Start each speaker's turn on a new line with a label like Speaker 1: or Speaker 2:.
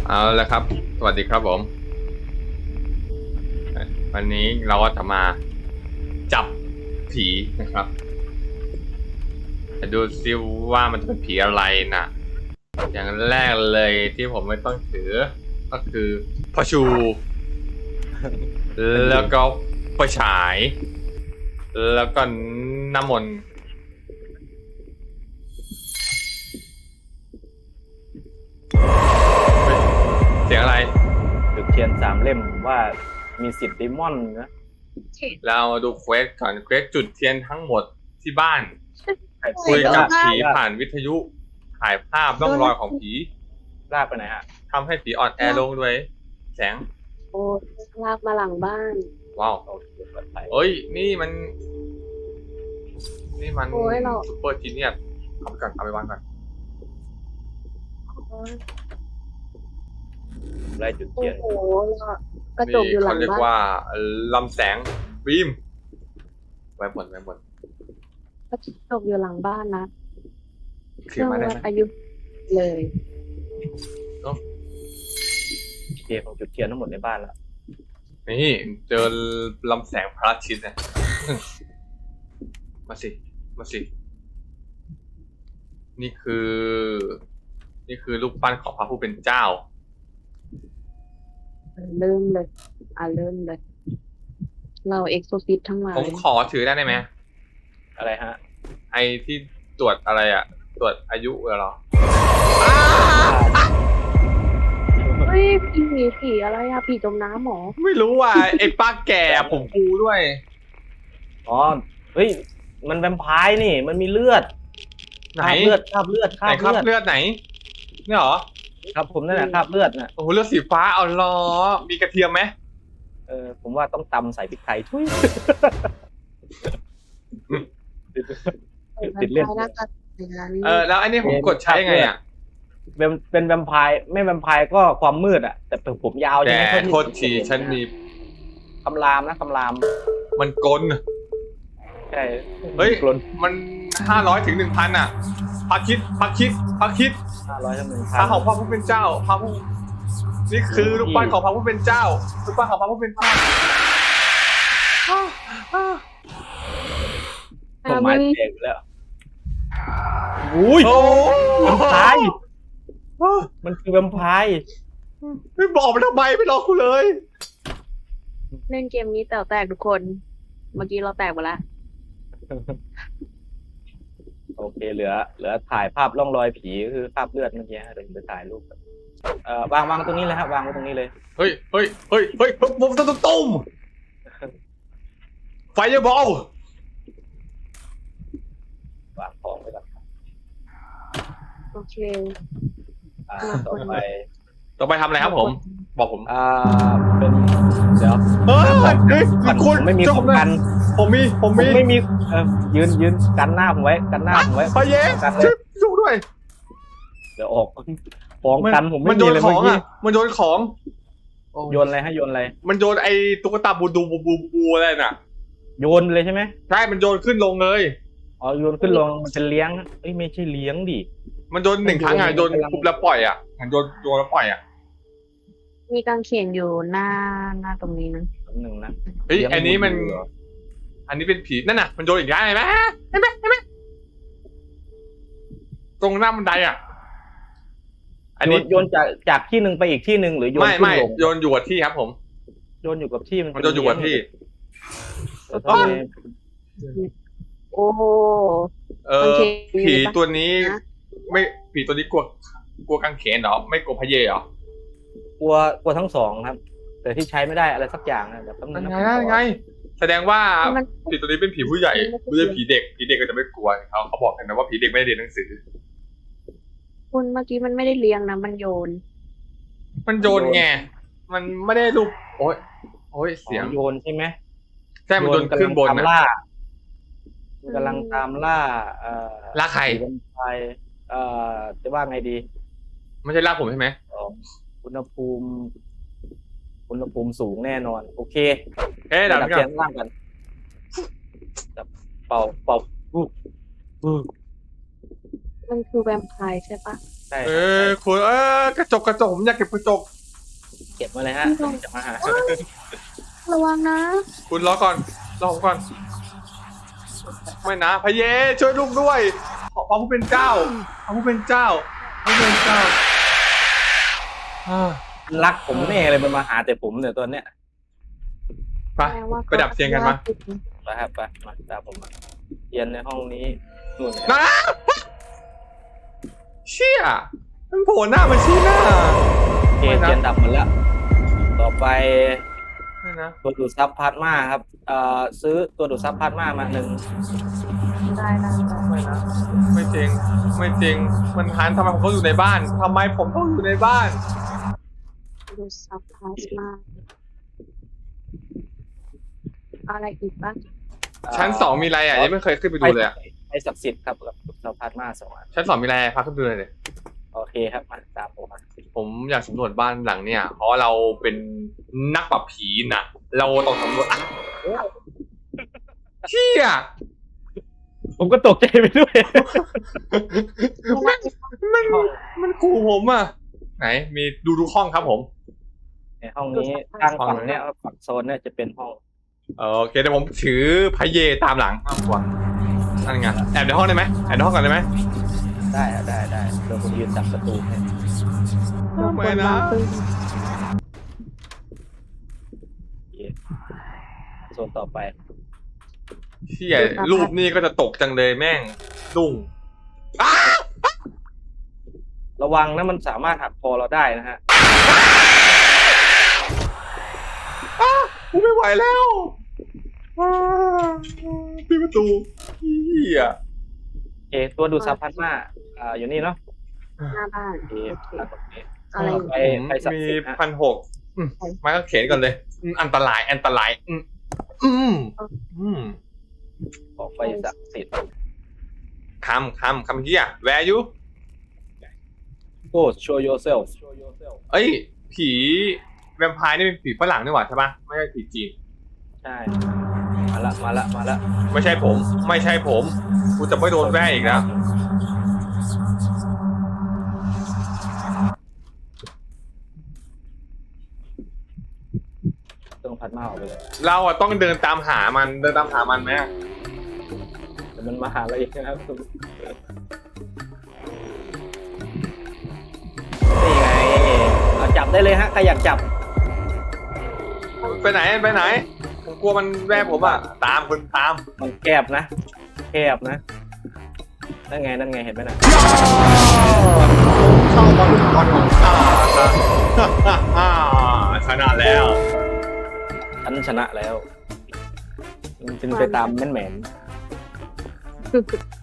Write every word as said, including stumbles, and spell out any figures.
Speaker 1: เอาละครับสวัสดีครับผมวันนี้เราก็จะมาจับผีนะครับจะดูซิว่ามันจะเป็นผีอะไรนะอย่างแรกเลยที่ผมไม่ต้องถือก็คือพระชู แล้วก็ไฟฉาย แล้วก็น้ำมนต์เสียงอะไร
Speaker 2: จุดเทียนสามเล่มว่ามีสิทธิ์ดิมอนนะ
Speaker 1: เราดูเควสก่อนเควสจุดเทียนทั้งหมดที่บ้านคุยกับผีผ่านวิทยุถ่ายภาพร่องรอยของผี
Speaker 2: ลากไปไหนฮะ
Speaker 1: ทำให้ผีอ่อนแอลงด้วยแสง
Speaker 3: โอ้ลากมาหลังบ้าน
Speaker 1: ว้าวเอ้ยนี่มันนี่มันซุปเปอร์จีเนียสเอาไปก่อนเอาไปวางก่อน
Speaker 2: ไล่จุดเทียน
Speaker 3: โอ้โหกระจกอยู่หลังบ้าน
Speaker 1: เขาเรียกว่าลำแสงฟิล์มไว้บนไว้บน
Speaker 3: กระจกอยู่หลังบ้านนะ
Speaker 1: เคลียร์มาได้ไหม
Speaker 3: อายุเลย
Speaker 2: เทียนของจุดเทียนทั้งหมดในบ้านแล้ว
Speaker 1: นี่เจอลำแสงพระอาทิตย์เนี่ยมาสิมาสินี่คือ นี่คือรูปปั้นของพระผู้เป็นเจ้า
Speaker 3: เริ่มเลยอ่ะเริ่มเลยเราเอ็กโซซิสทั้งหลาย
Speaker 1: ผมขอถือได้ไหม
Speaker 2: อะไรฮะ
Speaker 1: ไอที่ตรวจอะไรอะตรวจอายุเหรอ
Speaker 3: เฮ้ยผีผีอะไรอะผีจมน้ำหรอ
Speaker 1: ไม่รู้อ่ะไอป้าแก่ผมกูด้วย
Speaker 2: อ๋อเฮ้ยมันแวมไพร์นี่มันมีเลือด
Speaker 1: ไหน
Speaker 2: เลือดคราบเลือด
Speaker 1: คราบเลือดไหนนี่หรอ
Speaker 2: ครับผมนั่นแหละคราบเลือดน่ะ
Speaker 1: โอ้โหเลือดสีฟ้าเอาล้อมีกระเทียมไหม
Speaker 2: เออผมว่าต้องตำใส่พริกไทยทุย
Speaker 3: ติดเลือด
Speaker 1: เออแล้วอันนี้ผมกดใช้ยังไงอ่ะ
Speaker 2: เป็นเป็นแวมไพร์ไม่แวมไพร์ก็ความมืดอ่ะแต่ผมยาว
Speaker 1: ใช่ไหมโทษทีฉันมี
Speaker 2: คำรามนะคำราม
Speaker 1: มันกล
Speaker 2: ใช่
Speaker 1: เฮ้ยมันห้าร้อยถึงหนึ่งพันอ่ะพักคิดพักคิดพักคิด
Speaker 2: ห้าร้อยถึงหนึ่งพัน
Speaker 1: พระของพระผู้เป็นเจ้าพระผู้นี่คือรูปปั้นของพระผู้เป็นเจ้ารูปปั้นของพระผู้เป็นเจ้า
Speaker 2: ผมไม้เด็กแล้วอุ้ยแวมไพร์มันคือแวมไพร์
Speaker 1: ไม่บอกมันทำไมไม่รอกูเลย
Speaker 3: เล่นเกมนี้แต่แตกทุกคนเมื่อกี้เราแตกหมดแล้ว
Speaker 2: โอเคเหลือเหลือถ่ายภาพร่องรอยผีคือภาพเลือดเมื่อกี้เดี๋ยวไปถ่ายรูปเอ่อวางวางตรงนี้เลยครับวางไว้ตรงนี้เลย
Speaker 1: เฮ้ยเฮ้ยเฮ้ยเฮ้ยปุ๊บตุ้มตุ้มไฟบอล
Speaker 2: วางของไปก่อน
Speaker 3: โอเค
Speaker 2: อ่าต่อไป
Speaker 1: ต่อไปทำอะไรครับผมบอกผม
Speaker 2: อ่าเป็นเดี๋ยว
Speaker 1: เฮ้ยเฮ้ยคุณ
Speaker 2: ไม่มีของกัน
Speaker 1: ผมมีผมมี
Speaker 2: ไม่มีเออยืนยืนกันหน้าผมไว้กันหน้าผมไว้
Speaker 1: พเย้ช่วยช่วยด้วย
Speaker 2: เดี๋ยวออกของกันผมไม่
Speaker 1: มีเลยเมื่อกี้มันโยนของ
Speaker 2: โยนอะไรให้โยนอะไร
Speaker 1: มันโยนไอ้ตุ๊กตาบูดูบูบูบูอะไรน่ะ
Speaker 2: โยนเลยใช่ไหม
Speaker 1: ใช่มันโยนขึ้นลงเลย
Speaker 2: อ๋อโยนขึ้นลงมันจะเลี้ยงเอ้ยไม่ใช่เลี้ยงดิ
Speaker 1: มันโยนหนึ่งครั้งอ่ะโยนปุ๊บแล้วปล่อยอ่ะโยนโยนแล้วปล่อยอ่ะ
Speaker 3: มีกางเขนอยู่หน้าหน้าตรงนี้นะ
Speaker 2: หนึ่งนะ
Speaker 1: เฮ้ยอันนี้มันอันนี้เป็นผีนั่นน่ะมันโยนอีกได้ไหมเห็นไหมเห็นไหมตรงหน้าบันไดอ่ะ
Speaker 2: อันนี้โยนจากจากที่หนึ่งไปอีกที่หนึ่งหรือโยน
Speaker 1: ไม่ไม่โยนอยู่กับที่ครับผม
Speaker 2: โยนอยู่กับที่
Speaker 1: มันโยนอยู่กับที่
Speaker 3: โอ้
Speaker 1: เออผีตัวนี้ไม่ผีตัวนี้กลัวกลัวกางเขนเหรอไม่กลัวพเยเหร
Speaker 2: อกลัวกลัวทั้งสองครับแต่ที่ใช้ไม่ได้อะไรสักอย่างนะแบบต้อง
Speaker 1: ไงไงแสดงว่าผีตัวนี้เป็นผีผู้ใหญ่ไม่ใช่ผีเด็กผีเด็กก็จะไม่กลัวเขาเขาบอกกันนะว่าผีเด็กไม่ได้เรียนหนังสือ
Speaker 3: คุณเมื่อกี้มันไม่ได้เลี้ยงนะมันโยน
Speaker 1: มันโยนไงมันไม่ได้รูปโอ้ยโอ้ยเสียง
Speaker 2: โยนใช่ไหม
Speaker 1: ใช่มันโยนขึ้นบนนะ
Speaker 2: กำลังตามล่าเอ่อ
Speaker 1: ล่าใคร
Speaker 2: ใครเอ่อจะว่าไงดี
Speaker 1: ไม่ใช่ล่าผมใช่ไหม
Speaker 2: อุณหภูมิอุณหภูมิสูงแน่นอนโอเค
Speaker 1: เฮ้ยดับ
Speaker 2: เสียงล่างกันเป่าเป่า
Speaker 3: มันคือแวมไพร์ใช่ปะ
Speaker 2: ใช่
Speaker 1: เออคุณเออกระจกกระจกผมอยากเก็บกระจก
Speaker 2: เก็บมาเลยฮะจะมาหา
Speaker 3: ระวังนะ
Speaker 1: คุณรอก่อนรอผมก่อนไม่นะพระเยช่วยลูกด้วยขอพระผู้เป็นเจ้าพระผู้เป็นเจ้าพระผู้เป็นเจ้าอ่า
Speaker 2: รักผมแน่เลยมันมาหาแต่ผมเนี่ยตัวเนี้ย
Speaker 1: ไปไปดับเสียงกันมา
Speaker 2: ไปครับไปมาตามผมมาเรียนในห้องนี้นู่น
Speaker 1: นะเชี่ยมันโผล่หน้ามาชี้หน้า
Speaker 2: เอเรียนดับหมดแล้ว ต่อไป
Speaker 1: ไม่นะ
Speaker 2: ตัวดูดซับพลาสมาครับเอ่อซื้อตัวดูดซับพลาสมามาหนึ่ง
Speaker 3: ได้ได้ได้
Speaker 1: ไม่นะไม่จริงไม่จริงมันทันทำไมผมต้องอยู่ในบ้านทำไมผมต้องอยู่ในบ้าน
Speaker 3: ดูซับพลาสมาอะไรอีกบ้าง
Speaker 1: ชั้นสองมีอะไรอ่ะยังไม่เคยขึ้นไปดูเลยอ่ะ
Speaker 2: ไอศักดิ์สิทธิ์ครับกับดูดซับพลาสมาสองอัน
Speaker 1: ชั้นสองมีอะไรพาขึ้นไปดูเลยดิ
Speaker 2: โอเคครับมาตามผมมา
Speaker 1: ผมอยากสำรวจบ้านหลังเนี่ย เพราะเราเป็นนักปราบผีนะเราต้องสำรวจอ่ะเชี่ย
Speaker 2: ผมก็ตกใจไปด้วย
Speaker 1: มันมันมันขู่ผมอ่ะ ไหน มีดูดูห้องครับผม
Speaker 2: ในห้องนี้ทางฝั่งเนี้ยฝั่งโซนเนี่ยจะเป็นห้อง
Speaker 1: โอเคเดี๋ยวผมถือพระเยตามหลังอ้าวกว่านั่นไงแอบในห้องได้ไหมแอบในห้องก่อนได้ไหม
Speaker 2: ได้อะได้ได้เดี๋ยวผมยืนจับประตูให้
Speaker 1: ไม่นะ
Speaker 2: โซนต่อไป
Speaker 1: เชี่ยรูปนี้ก็จะตกจังเลยแม่งดุ้งอ้า
Speaker 2: ระวังนะมันสามารถหักคอเราได้นะฮะ
Speaker 1: อ้ากูไม่ไหวแล้วอ้าปิดประตูเฮีย
Speaker 2: โอเคตัวดูดซับพลาสมาอ่าอยู่นี่เนาะ
Speaker 3: หน้าบ้าน
Speaker 2: โอเค
Speaker 3: โอเค
Speaker 2: ตัดตรงนี้
Speaker 3: อะไรอีก
Speaker 2: ไปไปศัก
Speaker 1: มี
Speaker 2: ดิ์สิทธิ์ฮะ
Speaker 1: พันหกมาก็เข็นก่อนเลยอืมอันตรายอันตรายอืมอืมอืม
Speaker 2: ออกไปศักดิ์สิทธิ์
Speaker 1: คำคำคำเฮียแวร์ยู
Speaker 2: Go show yourself show yourself
Speaker 1: เอ้ย ผีแวมไพร์นี่เป็นผีฝรั่งนี่หว่าใช่ปะไม่ใช่ผีจีน
Speaker 2: ใช่มาละมาละมาละ
Speaker 1: ไม่ใช่ผม ไม่ใช่ผมกูจะไม่โดนแว่อีกแล้ว
Speaker 2: ต้องพัดมาออกไปเลย
Speaker 1: เราอะต้องเดินตามหามันเดินตามหามันไหม
Speaker 2: แต่มันมาหาเราอีกนะครับนี่ไงเอาจับได้เลยฮะใครอยากจับ
Speaker 1: ไปไหนไปไหนผมกลัวมันแว่ผมอะตามคุณตาม
Speaker 2: มันแคบนะแคบนะนั่นไงนั่นไงเห็นไหมนะ
Speaker 1: เข้ามาลุกบอลของข้าชนะแล้ว
Speaker 2: ฉันชนะแล้วมันเป็นไปตามแม่นแมน